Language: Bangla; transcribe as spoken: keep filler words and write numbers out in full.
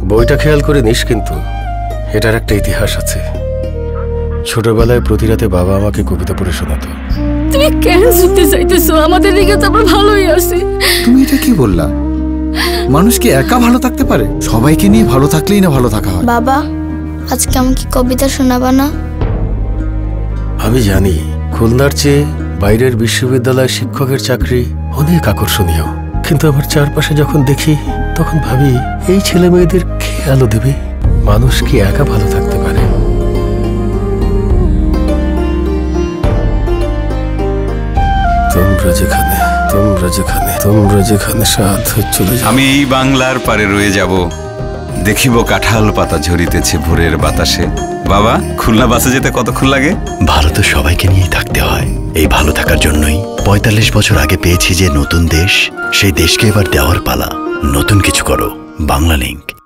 বইটা খেয়াল করে নিস, কিন্তু এটার একটা ইতিহাস আছে। ছোটবেলায় প্রতি রাতে বাবা আমাকে কবিতা পড়ে শোনাতো। তুমি কেন শুনতে চাইতেছো? আমাদের দিকে তো আমরা ভালোই আছি। তুমি এটা কি বললা? মানুষ কি একা ভালো থাকতে পারে? সবাইকে নিয়ে ভালো থাকলেই না ভালো থাকা হয়। বাবা, আজকে আমাকে কবিতা শোনাবা না? আমি জানি খুলনার চেয়ে বাইরের বিশ্ববিদ্যালয় শিক্ষকের চাকরি অনেক আকর্ষণীয়, কিন্তু আমার চারপাশে যখন দেখি তখন ভাবি, এই ছেলে মেয়েদের কে আলো দেবে? মানুষ কি একা ভালো থাকতে পারে? তোমরা যেখানে তোমরা যেখানে তোমরা যেখানে সাথ চলে যাও। আমি এই বাংলার পারে রয়ে যাব, দেখিব কাঁঠাল পাতা ঝরিতেছে ভোরের বাতাসে। বাবা, খুলনা বাসে যেতে কতক্ষণ লাগে? ভালো তো সবাইকে নিয়েই থাকতে হয়। এই ভালো থাকার জন্যই পঁয়তাল্লিশ বছর আগে পেয়েছি যে নতুন দেশ, সেই দেশকে এবার দেওয়ার পালা। নতুন কিছু করো, বাংলা লিংক।